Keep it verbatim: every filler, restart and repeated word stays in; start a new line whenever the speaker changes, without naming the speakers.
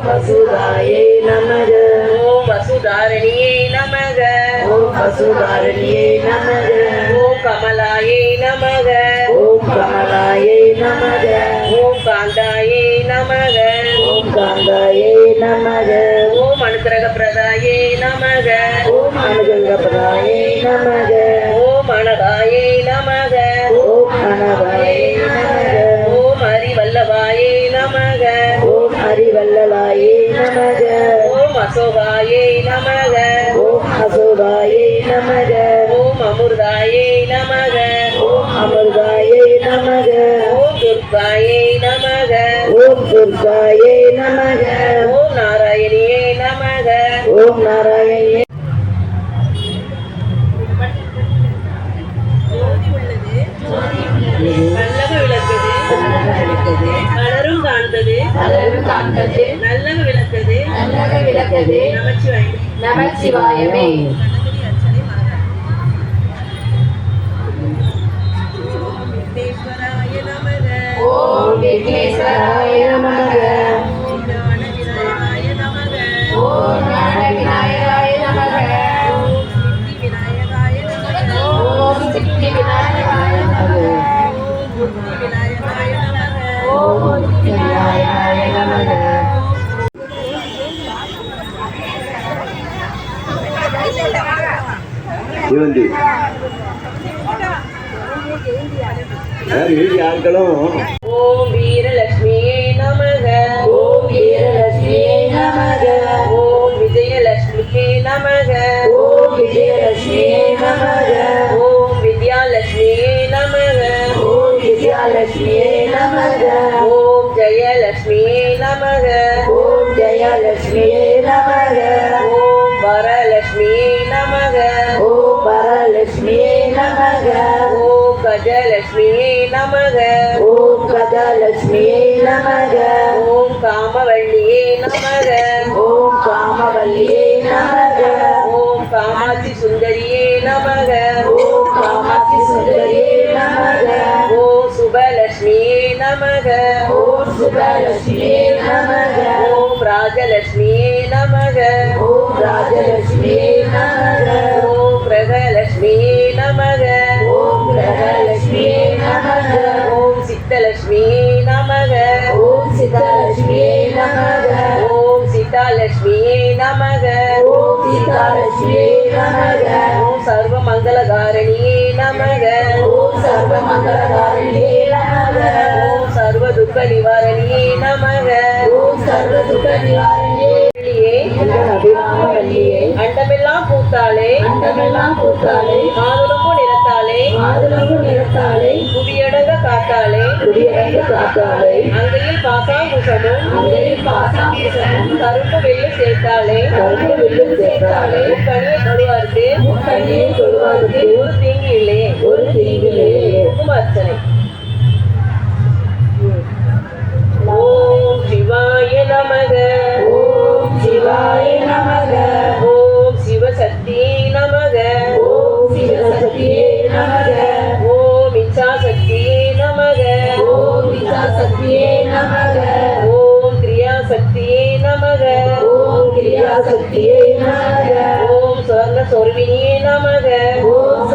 வசுதாயை நமக.
ஓம் வசுதாரணியே நமக.
ஓம் வசுதாரணியே நமக.
ஓம் கமலாயை நமக.
ஓம் கமலாயை நமக.
ஓம் காந்தாயை நமக.
ஓம் காந்தாயை நமக.
ஓம் அனுக்கிரக பிரதாயை நமக.
ஓம் அனுகிரகபதாயை நமக.
ஓம் அனகாயை நமக.
ஓம் அனகாயை நமக.
ஓம் ஹரிவல்லபாயை நமக.
ஓம் ஹரிவல்லலாயை நமக.
ஓம் அசோகாயை நமக.
ஓம் அசோகாயை நமக.
ஓம் அமிர்தாயை நமக.
ஓம் அமிர்தாயை நமக.
ஓம் துர்காயை நமக.
ஓம் துர்காயை நமக.
ஓம் நாராயணியே நமக.
ஓம் நாராயணியே.
நல்லக விளக்குது. மலரும் காண்பது.
மலரும் காண்பது.
நல்லக விளக்குது.
நல்லக விளக்குது.
நமச்சிவாய.
நமச்சிவாயமே.
விக்னேஸ்வராய நமக.
ஓம் விக்னேஸ்வராய நமக.
ஓம் ஞான விநாயகாய நமக.
ஓம் ஞான விநாயகாய நமக.
ஓம் சித்தி விநாயகாய நமக.
ஓம் சித்தி விநாயகாய நமக.
ஓம் புத்தி விநாயகாய நமக.
ஓம் புத்தி விநாயகாய நமக.
இவந்தி ஆட்களும்
ஓம் வீரலட்சுமியே நமக.
ஓம் வீரலட்சுமியே நமக.
ஓம் விஜயலட்சுமியே நமக.
ஓம் விஜயலட்சுமியே நமக.
ஓம் வித்யாலட்சுமியே நமக.
ஓம் வித்யாலட்சுமியே நமக.
ஓம் ஜெயலட்சுமியே நமக.
ஓம் ஜெயலட்சுமியே நமக.
ஓம் வரலட்சுமியே நமக.
ஓம் வரலட்சுமியே நமக.
ஓம் கஜலட்சுமியே நமக.
ஓம் கஜலட்சுமியே நமக.
ஓம் காமவல்லியே நமக.
ஓம் காமவல்லியே நமக.
ஓம் காமாட்சி சுந்தரியே நமக.
ஓம் காமாட்சி சுந்தரியே நமக.
ஓம் சுபலட்சுமியே நமக.
ஓம் சுபலட்சுமியே நமக.
ஓம் ராஜலட்சுமியே நமக.
ஓம் ராஜலட்சுமியே நமக.
ஓம் கிரகலட்சுமியே நமக.
ஓம் கிரகலட்சுமியே நமக.
ஓம் சித்தலட்சுமியே நமக.
ஓம் சித்தலட்சுமியே நமக.
ஓம் சீதாலட்சுமியே நமக.
ஓம் சீதாலட்சுமியே நமக.
ஓம் சர்வமங்கலகாரணியே நமக.
ஓம் சர்வமங்கலகாரிணியே நமக.
ஓம் சர்வ துக்க நிவாரணியே நமக.
ஓம் சர்வ துக்க நிவாரணியே.
வள்ளியே,
எங்கள் அபிராமவல்லியே,
அண்டமெல்லாம் பூத்தாளே,
அண்டமெல்லாம் பூத்தாளே,
மாதுளம்பூ நிறத்தாளே,
மாதுளம்பு நிறத்தாளே,
புவியடங்க காத்தாளே,
குடியரங்கு காத்தாளே,
அங்கையில் பாசாங்குசமும்
அங்கையில் பாசாங்குசமும்,
கருப்பு வெள்ளி சேர்த்தாளே,
கருப்பு வில்லும் சேர்த்தாளே,
கனியை தொழுவார்க்கு
முக்கண்ணியை தொழுவாருக்கு
ஒரு தீங்கு இல்லையே.
ஒரு தீங்கிலே.
குங்கும அர்ச்சனை. ஓம் சிவாய நமக.
ஓம் சிவாய நமக.
ஓம் சிவசக்தியே நமக.
ஓம் சிவசக்தியே நமக.
ஓம் இச்சாசக்தியே நமக.
ஓம் விசாசக்தியே நமக.
ஓம் கிரியாசக்தியே நமக.
ஓம் கிரியாசக்தியே நமக.
ஓம் சொர்ண சொர்வினியே நமக.
ஓம்